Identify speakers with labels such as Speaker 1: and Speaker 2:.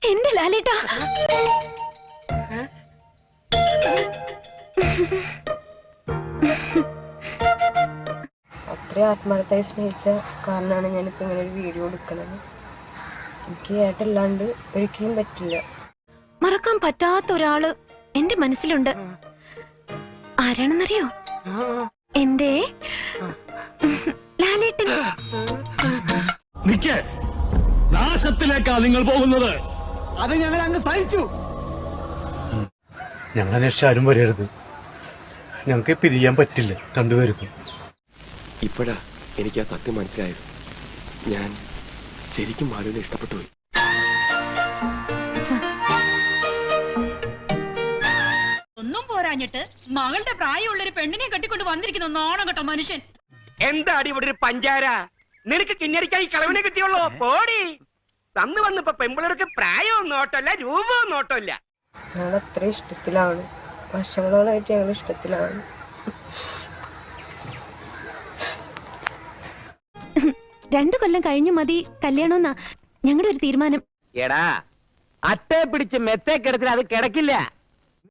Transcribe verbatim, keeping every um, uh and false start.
Speaker 1: എന്റെ ലാലേട്ടാ,
Speaker 2: അത്ര ആത്മാർത്ഥമായി സ്നേഹിച്ച കാരണമാണ് ഞാനിപ്പോ ഇങ്ങനെ ഒരു വീഡിയോ എടുക്കണത്. എനിക്ക് ഏട്ടല്ലാണ്ട് ഒരിക്കലും പറ്റില്ല.
Speaker 1: മറക്കാൻ പറ്റാത്ത ഒരാള് എന്റെ മനസ്സിലുണ്ട്. ആരാണെന്നറിയോ? എന്റെ ലാലേട്ടൻ.
Speaker 3: നാശത്തിലേക്കാ നിങ്ങൾ പോകുന്നത്.
Speaker 4: അത് ഞങ്ങൾ അങ്ങ് സഹിച്ചു.
Speaker 5: ഞങ്ങൾ അന്വേഷിച്ച് ആരും വരരുത്. ഞങ്ങൾക്ക് പിരിയാൻ പറ്റില്ല രണ്ടുപേർക്കും.
Speaker 6: ഇപ്പോഴാ എനിക്ക് ആ സത്യം മനസ്സിലായത്. ഞാൻ ശരിക്കും മാലുവിനെ ഇഷ്ടപ്പെട്ടു പോയി.
Speaker 7: ഒന്നും പോരാഞ്ഞിട്ട് മകളുടെ പ്രായമുള്ളൊരു പെണ്ണിനെ കെട്ടിക്കൊണ്ട് വന്നിരിക്കുന്നു നാണം കേട്ടോ മനുഷ്യൻ.
Speaker 8: എന്താടി ഇവിടെ ഒരു പഞ്ചാര? നിനക്ക് കിഞ്ഞരിക്കാൻ ഈ കളവിനെ കിട്ടിയുള്ളൂ. പോടി. തന്നു വന്നിപ്പോ പെമ്പിളർക്ക് പ്രായവും നോട്ടല്ല രൂപവും നോട്ടമില്ല.
Speaker 2: ഞങ്ങൾ അത്ര ഇഷ്ടത്തിലാണ്, വർഷങ്ങളോളായിട്ട് ഞങ്ങൾ ഇഷ്ടത്തിലാണ്.
Speaker 1: രണ്ടു കൊല്ലം കഴിഞ്ഞു മതി കല്യാണമെന്നാ ഞങ്ങളുടെ ഒരു തീരുമാനം.
Speaker 8: എടാ, അട്ടേ പിടിച്ച് മെത്തേ കിടത്തിൽ അത് കിടക്കില്ല.